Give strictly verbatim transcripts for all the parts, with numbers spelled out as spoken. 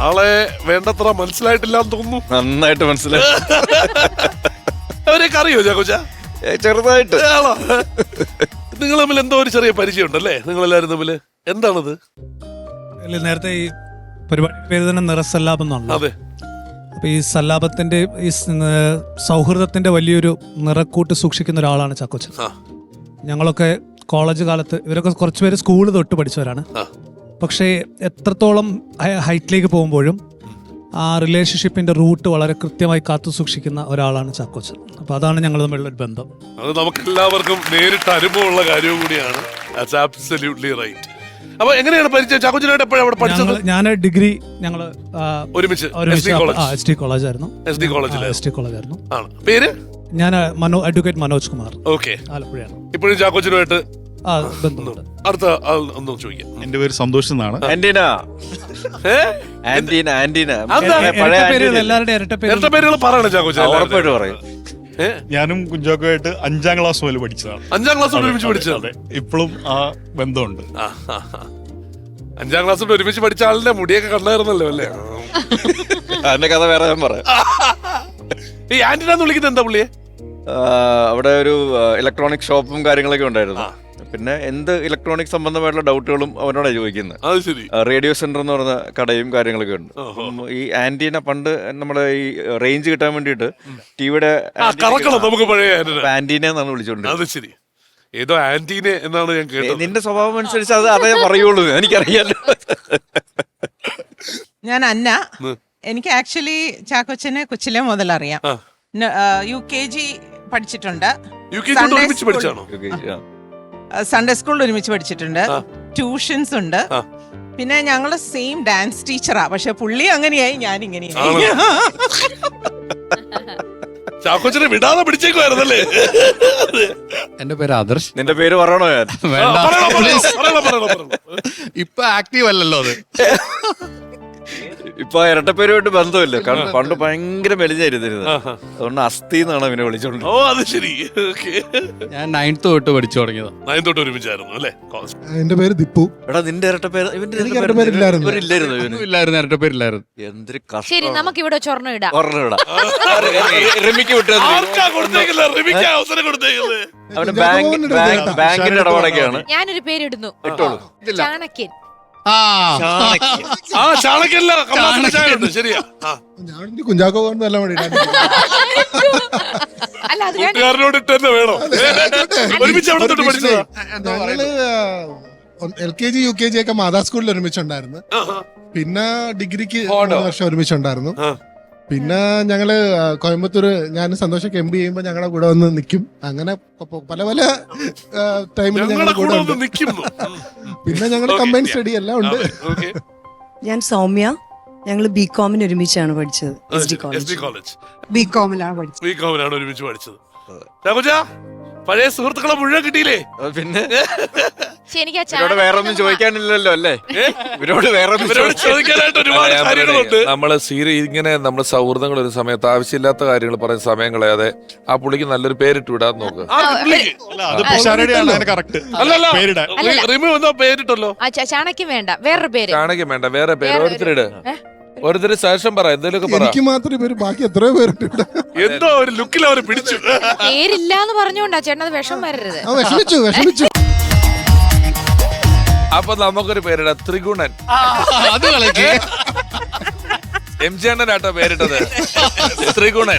ആളെ വേണ്ടത്ര മനസ്സിലായിട്ടില്ലാന്ന് തോന്നുന്നു. നന്നായിട്ട് മനസ്സിലായി. അവരെയൊക്കെ അറിയോ ചാക്കോച്ച? ചെറുതായിട്ട്. നിങ്ങൾ തമ്മിൽ എന്തോ ഒരു ചെറിയ പരിചയം ഉണ്ടല്ലേ നിങ്ങൾ എല്ലാവരും തമ്മില്? എന്താണത്? നേരത്തെ ഈ പരിപാടി പേര് തന്നെ നിറസല്ലാപം എന്നാണല്ലോ. അതെ. അപ്പൊ ഈ സല്ലാപത്തിന്റെ ഈ സൗഹൃദത്തിന്റെ വലിയൊരു നിറക്കൂട്ട് സൂക്ഷിക്കുന്ന ഒരാളാണ് ചാക്കോച്ചൻ. ഞങ്ങളൊക്കെ കോളേജ് കാലത്ത് ഇവരൊക്കെ കുറച്ചുപേര് സ്കൂള് തൊട്ട് പഠിച്ചവരാണ്. പക്ഷേ എത്രത്തോളം ഹൈറ്റിലേക്ക് പോകുമ്പോഴും ആ റിലേഷൻഷിപ്പിന്റെ റൂട്ട് വളരെ കൃത്യമായി കാത്തു സൂക്ഷിക്കുന്ന ഒരാളാണ് ചാക്കോച്ചൻ. അപ്പൊ അതാണ് ഞങ്ങൾ തമ്മിലുള്ള ഒരു ബന്ധം. അത് നമുക്ക് എല്ലാവർക്കും നേരിട്ട് അനുഭവമുള്ള കാര്യവും കൂടിയാണ്. അപ്പൊ എങ്ങനെയാണ് പരിചയം? ചാക്കോച്ചനായിട്ട് എപ്പോഴാണ് അവിടെ പഠിച്ചത്? ഞാൻ ഡിഗ്രി ഞങ്ങള് ഒരുമിച്ച് എസ് ടി കോളേജ് ആയിരുന്നു. എസ് ഡി കോളേജിൽ എസ് ടി കോളേജ് ആയിരുന്നു. പേര്? ഞാൻ മനോ അഡ്വക്കേറ്റ് മനോജ് കുമാർ. ഓക്കെ. ആലപ്പുഴയാണ്. ഇപ്പോഴും ചാക്കോച്ചനുമായിട്ട് അടുത്ത ആൾ ഒന്നും ചോദിക്കാം. എന്റെ പേര് സന്തോഷ് എന്നാണ്. ആന്റീന ആന്റീന ആന്റീന ഇരട്ട പേരുകൾ പറയണം ചാക്കോച്ചൻ. ഉറപ്പായിട്ട് പറയും. ഞാനും കുഞ്ചാക്കോയായിട്ട് അഞ്ചാം ക്ലാസ് മുതൽ പഠിച്ചതാണ്. അഞ്ചാം ക്ലാസ് ഒരുമിച്ച് പഠിച്ചത്? ഇപ്പോഴും ആ ബന്ധമുണ്ട്. അഞ്ചാം ക്ലാസ് ഒരുമിച്ച് പഠിച്ച ആളിന്റെ മുടിയൊക്കെ കണ്ടായിരുന്നല്ലോ അല്ലേ? അതിന്റെ കഥ വേറെ ഞാൻ പറയാം. ഈ ആന്റിനാന്ന് വിളിക്കുന്നത് എന്താ പുള്ളിയെ? അവിടെ ഒരു ഇലക്ട്രോണിക് ഷോപ്പും കാര്യങ്ങളൊക്കെ ഉണ്ടായിരുന്നു. പിന്നെ എന്ത് ഇലക്ട്രോണിക് സംബന്ധമായിട്ടുള്ള ഡൗട്ടുകളും അവനോടാണ് ചോദിക്കുന്നത്. റേഡിയോ സെന്റർ എന്ന് പറഞ്ഞ കടയും കാര്യങ്ങളൊക്കെ ഉണ്ട്. ഈ ആന്റീന പണ്ട് നമ്മുടെ ഈ റേഞ്ച് കിട്ടാൻ വേണ്ടിട്ട് ടിവിയുടെ ആന്റീന എന്നാണ് വിളിച്ചോണ്ട്. ഏതോ ആന്റീന എന്നാണ് ഞാൻ കേട്ടത്. നിന്റെ സ്വഭാവം അനുസരിച്ച് അത് അതേ പറയുള്ളൂ. എനിക്കറിയാലോ. ഞാൻ അന്ന. എനിക്ക് ആക്ച്വലി ചാക്കോച്ചനെ കൊച്ചിലെ മുതൽ അറിയാം. U K G Sunday. സൺഡേ സ്കൂളിൽ ഒരുമിച്ച് പഠിച്ചിട്ടുണ്ട്. ട്യൂഷൻസ് ഉണ്ട്. പിന്നെ ഞങ്ങള് സെയിം ഡാൻസ് ടീച്ചറാ. പക്ഷെ പുള്ളി അങ്ങനെയായി, ഞാൻ ഇങ്ങനെയായി. ചാക്കോച്ചനെ വിടാതെ പിടിച്ചേക്കുവായിരുന്നല്ലേ? എന്റെ പേര് ആദർശ്. നിന്റെ പേര് പറയണോ? ഞാൻ ഇപ്പൊ ആക്റ്റീവ് അല്ലല്ലോ അത്. ഇപ്പൊ ഇരട്ടപ്പേരുമായിട്ട് ബന്ധമില്ല. കാരണം പണ്ട് ഭയങ്കര മെലിഞ്ഞായിരുന്നിരുന്നത്. അതുകൊണ്ട് അസ്ഥി എന്നാണ് അവനെ വിളിച്ചോണ്ട്. ഓ അത് ശരി. ഞാൻ നയൻത്ത് തൊട്ട് പഠിച്ചു തുടങ്ങിയത്. നയൻത്ത് തൊട്ട് ഒരുമിച്ചായിരുന്നു അല്ലേ? എന്റെ പേര് ദിപ്പു. എടാ നിന്റെ ഇരട്ടപ്പേര് ഇരട്ടപ്പേരില്ലായിരുന്നു. ഇരട്ടപ്പേരില്ലായിരുന്നു. എന്തൊരു ശരി, നമുക്ക് ഇവിടെ സ്വർണ്ണം ഇടാം. റിമിക്ക് വിട്ടത് അവന് ബാങ്കിന്റെ ഇടപാടൊക്കെയാണ്. ഞാനൊരു പേരിടുന്നു. ഇട്ടോളൂ. ചാണക്യൻ. ശരിയാ. കുഞ്ചാക്കോ നല്ല കൂട്ടുകാരനോട് തന്നെ വേണോ? ഒരുമിച്ച് അവിടെ തൊട്ട് പഠിച്ചതാ. ഞങ്ങള് L K G U K G ഒക്കെ മാതാ സ്കൂളിൽ ഒരുമിച്ചുണ്ടായിരുന്നു. പിന്നെ ഡിഗ്രിക്ക് മൂന്ന് വർഷം ഒരുമിച്ചുണ്ടായിരുന്നു. പിന്നെ ഞങ്ങള് കോയമ്പത്തൂര് ഞാൻ സന്തോഷൊക്കെ എം ബി ചെയ്യുമ്പോ ഞങ്ങളുടെ കൂടെ വന്ന് നിൽക്കും. അങ്ങനെ പല പല ടൈമിൽ ഞങ്ങളുടെ കൂടെ നിൽക്കുന്നു. പിന്നെ ഞങ്ങളുടെ കമ്പൈൻ സ്റ്റഡി എല്ലാം ഉണ്ട്. ഞാൻ സൗമ്യ. ഞങ്ങൾ ബി കോമിന് ഒരുമിച്ചാണ് പഠിച്ചത്. ബി കോമിലാണ് പഠിച്ചത്. ബി കോമിലാണ് ഒരുമിച്ച് പഠിച്ചത്. പഴയ സുഹൃത്തുക്കളെ മുഴുവൻ കിട്ടിയില്ലേ? പിന്നെ വേറെ ഒന്നും ചോദിക്കാനില്ലല്ലോ അല്ലേ? ഇവരോട് വേറെ ചോദിക്കാനായിട്ട് ഒരുപാട് കാര്യങ്ങളുണ്ട്. നമ്മള് സീരി ഇങ്ങനെ നമ്മുടെ സൗഹൃദങ്ങൾ ഒരു സമയത്ത് ആവശ്യമില്ലാത്ത കാര്യങ്ങൾ പറയുന്ന സമയം കളയാതെ ആ പുള്ളിക്ക് നല്ലൊരു പേരിട്ട് വിടാൻ നോക്കുക. പേരിട്ടല്ലോ. ചാണക്യം വേണ്ട, വേറൊരു പേര്. ചാണക്യം വേണ്ട, വേറെ പേര്. ഓരോരുത്തരുടെ ഓരോരുത്തര് സജഷൻ പറ, എന്തെങ്കിലുമൊക്കെ പറ. എനിക്ക് മാത്രമേ പേര്, ബാക്കി എത്രയോ പേരിട്ടുണ്ട്. എന്തോ ഒരു ലുക്കിൽ അവര് പിടിച്ചു. പേരില്ലാന്ന് പറഞ്ഞോണ്ടാ ചേട്ടൻ അത് വിഷം വരരുത്. വിഷമിച്ചു വിഷമിച്ചു അപ്പൊ നമുക്കൊരു പേരിടാം, ത്രിഗുണൻ. അത് കളിക്ക്. എം ജി അണ്ണനാട്ടോ പേരിട്ടത്, ത്രിഗുണൻ.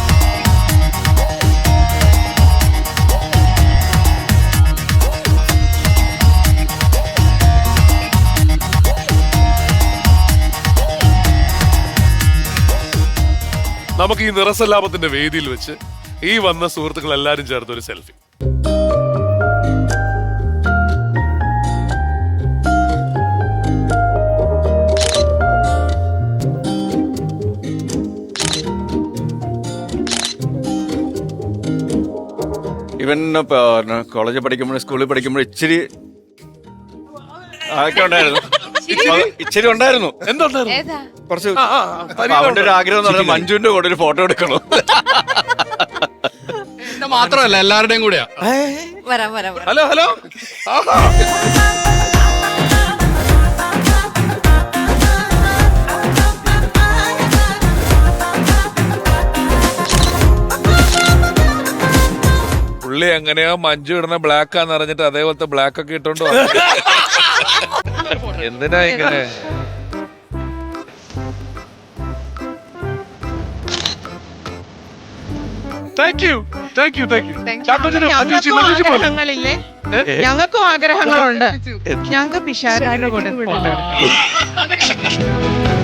നമുക്ക് ഈ നിറസല്ലാപത്തിന്റെ വേദിയിൽ വെച്ച് ഈ വന്ന സുഹൃത്തുക്കൾ എല്ലാരും ചേർത്ത് ഒരു സെൽഫി. ഇവൻ കോളേജിൽ പഠിക്കുമ്പോഴും സ്കൂളിൽ പഠിക്കുമ്പോഴും ഇച്ചിരി അതൊക്കെ ഉണ്ടായിരുന്നു. ഇച്ചിരി ഉണ്ടായിരുന്നു. എന്തുണ്ടായിരുന്നു? കുറച്ച് അവന്റെ ഒരു ആഗ്രഹം എന്ന് പറഞ്ഞാൽ മഞ്ജുവിന്റെ കൂടെ ഒരു ഫോട്ടോ എടുക്കണോ. മാത്രമല്ല എല്ലാവരുടെയും കൂടെയാ. വരാം വരാം. Hello hello. പുള്ളി എങ്ങനെയോ മഞ്ജു ഇടുന്ന ബ്ലാക്ക് ആന്ന് അറിഞ്ഞിട്ട് അതേപോലത്തെ ബ്ലാക്ക് ഒക്കെ ഇട്ടോണ്ട് വന്നു. എന്തിനാ ഇങ്ങനെ? Thank you thank you thank you ഞങ്ങൾക്കും ആഗ്രഹങ്ങളില്ലേ ഞങ്ങൾക്കും ആഗ്രഹങ്ങളുണ്ട് ഞങ്ങൾക്ക് പിഷാരുടെ കൂടെ